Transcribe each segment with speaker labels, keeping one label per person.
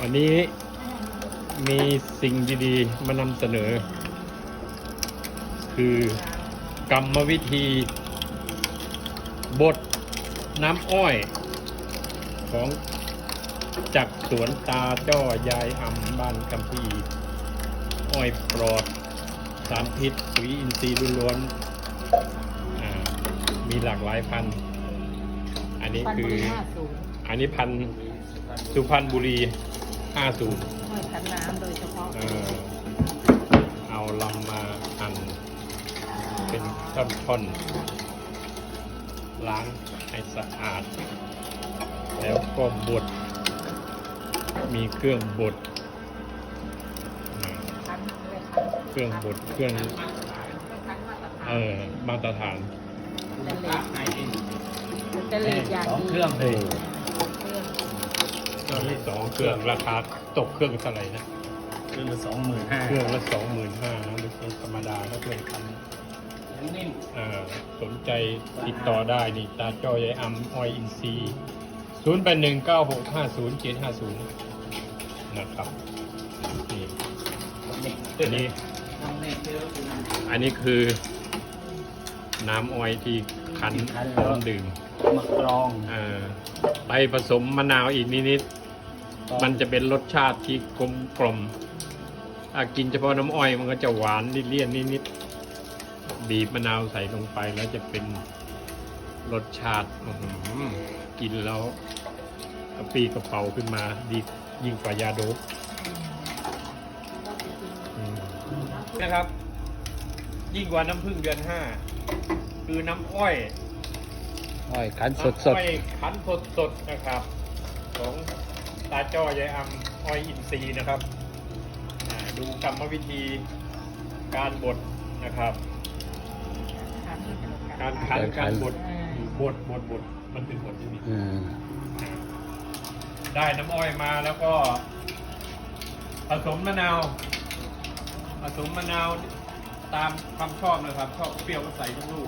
Speaker 1: วันนี้มีสิ่งดีๆมานำเสนอ คือกรรมวิธีบดน้ำอ้อยของจากสวนตาจ้อยายอำบ้านกัมพีอ้อยปลอดสารพิษปุ๋ยอินทรีย์ล้วนๆมีหลากหลายพันธุ์อันนี้คืออันนี้พันธุ์สุพรรณบุรี50
Speaker 2: อ้อยคั้นน้ำโดยเฉพาะ
Speaker 1: เอาลำมาหั่นเป็นท่อนๆล้างให้สะอาดแล้วก็บดมีเครื่องบดเครื่องบดเครื่องมาตรฐาน
Speaker 2: จะเลดอย่างดี
Speaker 3: เครื่องเลย
Speaker 1: มี2 เครื่องราคาตกเครื่องเท่าไหร่นะ
Speaker 3: เครื่องละ25,000
Speaker 1: เครื่องละ25,000นะไม่ใช่ธรรมดาแล้วเครื่องพัน
Speaker 3: นิ่ม
Speaker 1: สนใจติดต่อได้นี่ตาจ้อยายอำอ้อยอินทรีย์0819650750นะครับนี่อันนี้คือน้ำอ้อยที่คั้นพร้อมดื่ม
Speaker 3: มะกรอง
Speaker 1: ไปผสมมะนาวอีกนิดๆมันจะเป็นรสชาติที่กลมกล่อมกินเฉพาะน้ำอ้อยมันก็จะหวานเลี่ยนนิดๆบีบมะนาวใส่ลงไปแล้วจะเป็นรสชาติกินแล้วกระปี้กระเป๋าขึ้นมาดียิ่งกว่ายาโดปนะครับยิ่งกว่าน้ำผึ้งเดือน5คือน้ำอ้อย
Speaker 3: คั้นสด
Speaker 1: อ้อยคั้นสดนะครับของตาจ้อยายอำอ้อยอินทรีย์นะครับดูกรรมวิธีการบดนะครับการคั้นการบดมันเป็นบดที่นี่ได้น้ำอ้อยมาแล้วก็ผสมมะนาวตามความชอบนะครับชอบเปรี้ยวก็ใส่ลูก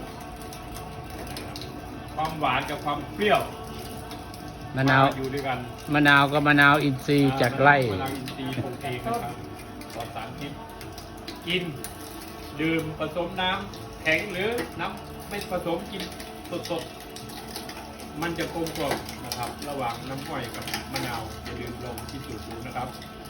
Speaker 1: ความหวานกับความเปรี้ยว
Speaker 3: มะนาว
Speaker 1: อยู่ด้วยกัน
Speaker 3: มะนาวกับมะนาวอินทรีย์จากไร่
Speaker 1: มะนาวอินทรีย์ปลูกเองนะครับปลอดสารพิษกินดื่มผสมน้ำแข็งหรือน้ำไม่ผสมกินสดมันจะกลมกล่อมนะครับระหว่างน้ำอ้อยกับมะนาวอย่าลืมลองที่สูตรดูนะครับ